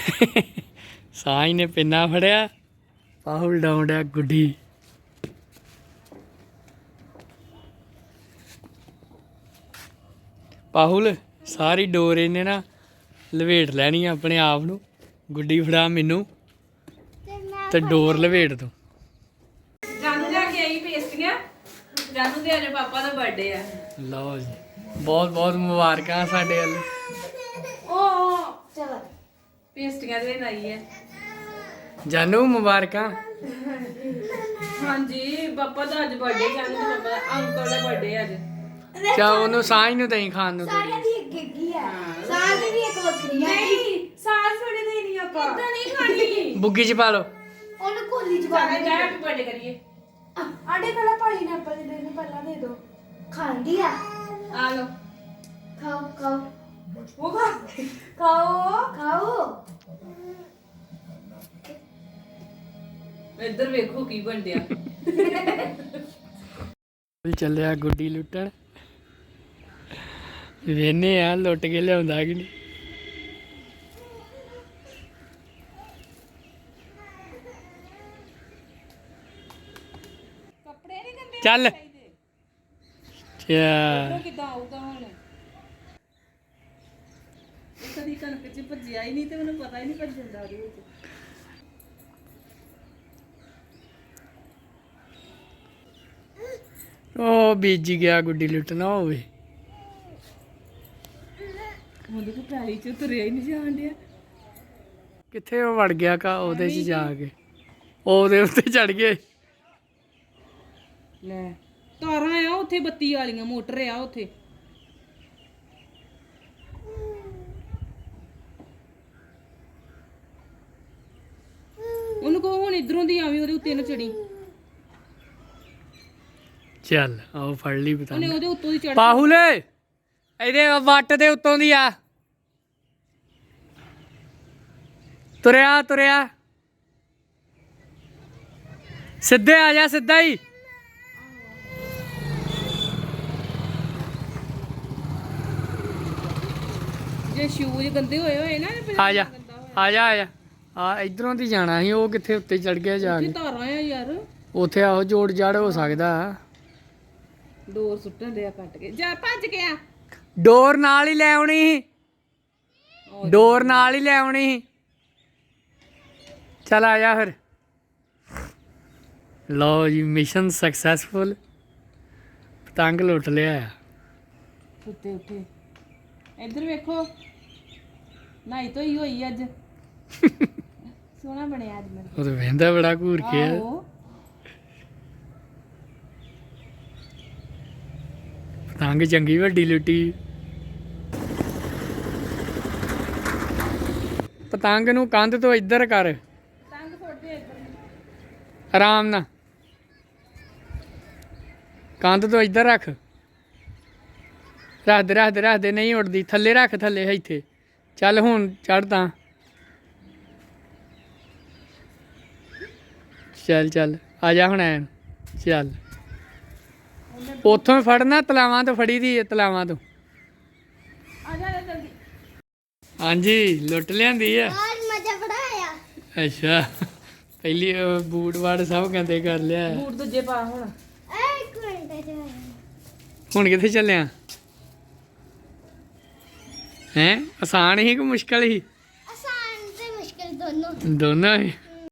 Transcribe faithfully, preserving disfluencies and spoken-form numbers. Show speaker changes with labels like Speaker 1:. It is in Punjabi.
Speaker 1: ਸਾਈ ਨੇ ਪਿੰਨਾ ਫੜਿਆ, ਪਾਹੁਲ ਡਾਉਣ ਡਿਆ ਗੁੱਡੀ। ਪਾਹੁਲ ਸਾਰੀ ਡੋਰ ਇਹਨੇ ਨਾ ਲਵੇਟ ਲੈਣੀ ਆਪਣੇ ਆਪ ਨੂੰ। ਗੁੱਡੀ ਫੜਾ ਮੈਨੂੰ ਤੇ ਡੋਰ ਲਵੇਟ ਤੂੰ।
Speaker 2: ਜਾਨੂ ਲੈ ਕੇ ਆਈ ਪੇਸਟੀਆਂ। ਜਾਨੂ ਦੇ ਅੱਜ ਪਾਪਾ ਦਾ ਬਰਥਡੇ ਆ।
Speaker 1: ਲਓ ਜੀ, ਬਹੁਤ ਬਹੁਤ ਮੁਬਾਰਕਾਂ ਸਾਡੇ ਵੱਲ।
Speaker 2: ਓ ਚਲ ਪੇਸਟੀਆਂ ਦੇ ਲਈ ਹੈ।
Speaker 1: ਜਾਨੂ ਮੁਬਾਰਕਾਂ।
Speaker 2: ਹਾਂਜੀ ਪਾਪਾ ਦਾ ਅੱਜ ਬਰਥਡੇ। ਜਾਨੂ ਦੇ ਪਾਪਾ ਦਾ ਅੰਕਲ ਦਾ ਬਰਥਡੇ ਅੱਜ।
Speaker 1: ਚਾ ਉਹਨੂੰ ਸਾਈ ਨੂੰ ਦਹੀਂ ਖਾਣ ਨੂੰ
Speaker 3: ਸਾਰਿਆਂ ਦੀ ਇੱਕ ਇੱਕ ਹੀ ਹੈ। ਸਾਰਿਆਂ ਦੀ ਵੀ ਇੱਕ ਵੱਖਰੀ ਹੈ।
Speaker 2: ਨਹੀਂ ਸਾਸ ਥੋੜੀ ਦੇ ਨਹੀਂ ਆਪਾਂ ਇਦਾਂ ਨਹੀਂ ਖਾਣੀ।
Speaker 1: ਬੁੱਗੀ ਚ ਪਾ ਲਓ।
Speaker 3: ਉਹਨੂੰ ਕੋਲੀ ਚ ਪਾ
Speaker 2: ਸਾਡਾ
Speaker 3: ਦੇ।
Speaker 2: ਜਾ ਹੈਪੀ ਬਰਥਡੇ ਕਰੀਏ।
Speaker 3: ਆਡੇ ਪਹਿਲਾਂ ਪਾਈ ਨਾ ਆਪਾਂ ਦੇ ਦੇ ਪਹਿਲਾਂ ਦੇ ਦੋ। ਖਾਂਦੀ ਆ।
Speaker 2: ਆ ਲਓ
Speaker 3: ਖਾਓ ਖਾਓ
Speaker 2: ਉਹ ਖਾ ਖਾਓ।
Speaker 3: ਖਾਓ।
Speaker 2: ਇੱਧਰ ਵੇਖੋ ਕੀ ਬਣਦਿਆ।
Speaker 1: ਚੱਲਿਆ ਗੁੱਡੀ ਲੁੱਟਣ। ਵੇਨੇ ਆ ਲੁੱਟ ਕੇ ਲਿਆਉਂਦਾ ਕਿ ਨਹੀਂ।
Speaker 2: ਕੱਪੜੇ ਨਹੀਂ ਗੰਦੇ
Speaker 1: ਚੱਲ
Speaker 2: ਚਾਹੀਦੇ।
Speaker 1: ਚਾ
Speaker 2: ਕਿੱਦਾਂ ਆਊਗਾ ਹੁਣ? ਕਦੀ ਕਣਕ ਚ ਭੱਜਿਆ ਹੀ ਨਹੀਂ ਤੇ ਮੈਨੂੰ ਪਤਾ ਹੀ ਨਹੀਂ ਭੱਜਣ ਦਾ ਉਹਦੇ ਵਿੱਚ।
Speaker 1: ਉਹ ਬੀਜ ਗਿਆ ਗੁੱਡੀ ਲੁੱਟਣਾ ਹੋਵੇ।
Speaker 2: ਉਹਦੇ ਕੋ ਪੈਲੀ ਚ ਤੁਰਿਆ ਹੀ ਨਹੀਂ ਜਾਣ ਡਿਆ।
Speaker 1: ਕਿੱਥੇ ਉਹ ਵੜ ਗਿਆ ਕਾ ਉਹਦੇ ਚ ਜਾ ਕੇ ਉਹਦੇ ਉੱਤੇ ਚੜ ਗਏ।
Speaker 2: ਲੈ ਤਾਰਾਂ ਆ ਉੱਥੇ, ਬੱਤੀ ਵਾਲੀਆਂ ਮੋਟਰ ਆ ਉੱਥੇ। ਉਹਨੂੰ ਕਹੋ ਹੁਣ ਇਧਰੋਂ ਦੀ ਆਵੀਂ, ਉਹਦੇ ਉੱਤੇ ਨਾ ਚੜੀ।
Speaker 1: ਚੱਲ ਆਓ ਫੜ ਲਈ
Speaker 2: ਉਹਨੇ
Speaker 1: ਪਤੰਗ।
Speaker 2: ਉਹਦੇ ਉੱਤੋਂ ਦੀ ਚੜ।
Speaker 1: ਪਾਹੁਲ ਇਹਦੇ ਵੱਟ ਦੇ ਉੱਤੋਂ ਦੀ ਆ। ਤੁਰਿਆ ਤੁਰਿਆ ਸਿੱਧੇ ਆ ਜਾ, ਸਿੱਧਾ ਹੀ।
Speaker 2: ਜੇ ਸ਼ੂਜ਼ ਗੰਦੇ ਹੋਏ ਹੋਏ ਨਾ
Speaker 1: ਆ ਜਾ ਆ ਜਾ ਆ ਜਾ ਆ ਇਧਰੋਂ ਦੀ ਜਾਣਾ ਸੀ। ਉਹ ਕਿੱਥੇ ਉੱਤੇ ਚੜ ਗਿਆ ਜਾ
Speaker 2: ਉੱਥੇ
Speaker 1: ਕੇ।
Speaker 2: ਤਾਰਾਂ ਆ ਯਾਰ।
Speaker 1: ਉੱਥੇ ਆਹੋ ਜੋੜ ਜੜ ਹੋ ਸਕਦਾ।
Speaker 2: ਡੋਰ ਸੁੱਟਣ ਦੇ ਆ ਕੱਟ ਕੇ। ਜਾ ਭੱਜ ਗਿਆ।
Speaker 1: ਡੋਰ ਨਾਲ ਹੀ ਲੈ ਆਉਣੀ ਸੀ। ਡੋਰ ਨਾਲ ਹੀ ਲੈ ਆਉਣੀ ਸੀ। ਚੱਲ ਆ ਜਾ ਫਿਰ। ਲਓ ਜੀ, ਮਿਸ਼ਨ ਸਕਸੈਸਫੁਲ। ਪਤੰਗ ਲੁੱਟ ਲਿਆ।
Speaker 2: ਉੱਤੇ ਉੱਤੇ ਇੱਧਰ ਵੇਖੋ। ਨਾਈ ਧੋਈ ਹੋਈ ਅੱਜ। ਸੋਹਣਾ ਬਣਿਆ ਅੱਜ ਮੇਰਾ।
Speaker 1: ਉਹ ਤਾਂ ਵਹਿੰਦਾ ਬੜਾ ਘੂਰ ਕੇ ਆ।
Speaker 2: ਆਹੋ
Speaker 1: ਪਤੰਗ ਚੰਗੀ ਵੱਡੀ ਲੁੱਟੀ। ਪਤੰਗ ਨੂੰ ਕੰਧ ਤੋਂ ਇੱਧਰ ਕਰ।
Speaker 2: ਤੰਗ ਫੋੜਦੇ ਇੱਧਰ।
Speaker 1: ਆਰਾਮ ਨਾਲ ਕੰਧ ਤੋਂ ਇੱਧਰ ਰੱਖ। ਰੱਖ ਦੇ ਰੱਖ ਦੇ ਰੱਖ ਦੇ। ਨਹੀਂ ਉੱਡਦੀ। ਥੱਲੇ ਰੱਖ, ਥੱਲੇ ਇੱਥੇ। ਚੱਲ ਹੁਣ ਚੜ੍ਹ ਤਾਂ। ਚੱਲ ਚੱਲ ਆ ਜਾ ਹੁਣ ਐਨ। ਚੱਲ ਉੱਥੋਂ ਫੜਨਾ, ਤਲਾਵਾਂ ਤੋਂ ਫੜੀ ਦੀ ਹੈ, ਤਲਾਵਾਂ ਤੋਂ।
Speaker 2: ਆ ਜਾ ਜਲਦੀ।
Speaker 1: ਹਾਂਜੀ ਲੁੱਟ ਲਿਆਂਦੀ ਆ।
Speaker 3: आज मजा बड़ा आया।
Speaker 1: ਅੱਛਾ ਪਹਿਲੀ ਉਹ ਬੂਟ ਵਾੜ ਸਭ ਕਹਿੰਦੇ ਕਰ ਲਿਆ।
Speaker 2: ਬੂਟ ਦੂਜੇ ਪਾ ਹੁਣ।
Speaker 3: एक मिनट है।
Speaker 1: ਹੁਣ ਕਿੱਥੇ ਚੱਲਿਆ ਹੈ? ਆਸਾਨ ਹੀ ਕਿ ਮੁਸ਼ਕਲ ਹੀ?
Speaker 3: आसान से मुश्किल दोनों।
Speaker 1: ਦੋਨੋਂ ਹੀ।